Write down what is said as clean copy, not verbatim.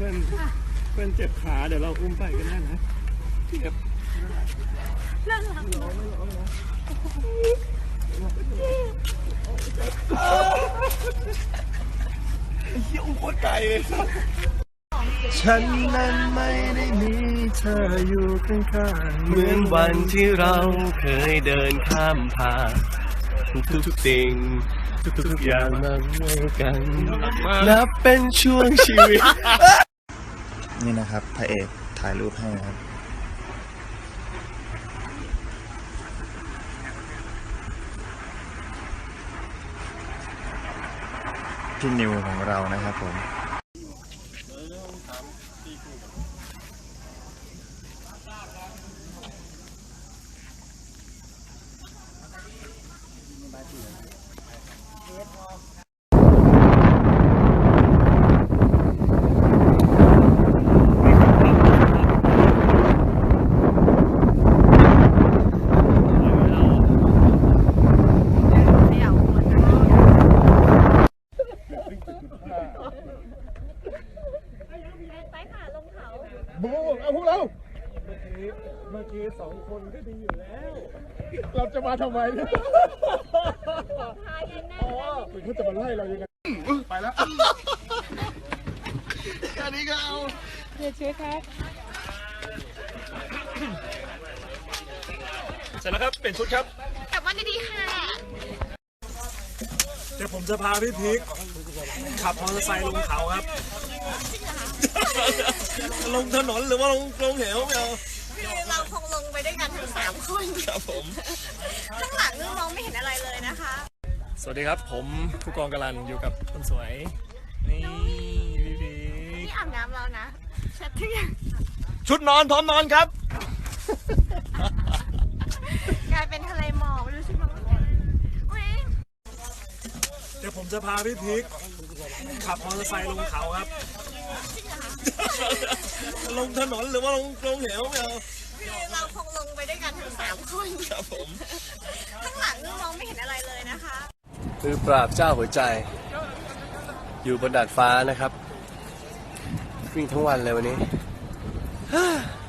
เจ็บขาเดี๋ยวเราอุ้มไปก็ได้นะเจ็บน่ารักเฮียอุ้มโคตรไกลเลยฉันนั้นไม่ได้มีเธออยู่ข้างๆเหมือนวันที่เราเคยเดินข้ามผ่านทุกสิ่งทุกอย่างมาด้วยกันนับเป็นช่วงชีวิตนี่นะครับพระเอกถ่ายรูปให้ครับพี่นิวของเรานะครับผมเอาพวกเราเมื่อกี้สองคนก็ดีอยู่แล้วเราจะมาทำไมเนี่ยอ๋อคุณเขาจะมาไล่เรายังไงไปแล้วแค่นี้ก็เอาเดี๋ยวช่วยครับเสร็จแล้วครับเป็นชุดครับกลับบ้านดีๆค่ะเดี๋ยวผมจะพาพี่พีคขับมอเตอร์ไซค์ลงเขาครับลงถนนหรือว่าลงเหวไม่เอาคือเราคงลงไปด้วยกันทั้ง3 คนครับผมข้างหลังนึกมองไม่เห็นอะไรเลยนะคะสวัสดีครับผมผู้กองกลันอยู่กับคนสวยนี่พี่พีนี่อาบน้ำแล้วนะเช็ดทุกอย่างชุดนอนพร้อมนอนครับกลายเป็นทะเลหมอกไม่รู้ใช่ไหมเดี๋ยวผมจะพาพี่พีคขับมอเตอร์ไซค์ลงเขาครับลงถนนหรือว่าลงเหวไม่เอาคือเราคงลงไปด้วยกันทั้ง3 คนครับผมข้างหลังนึกมองไม่เห็นอะไรเลยนะคะคือปราบเจ้าหัวใจอยู่บนดาดฟ้านะครับวิ่งทั้งวันเลยวันนี้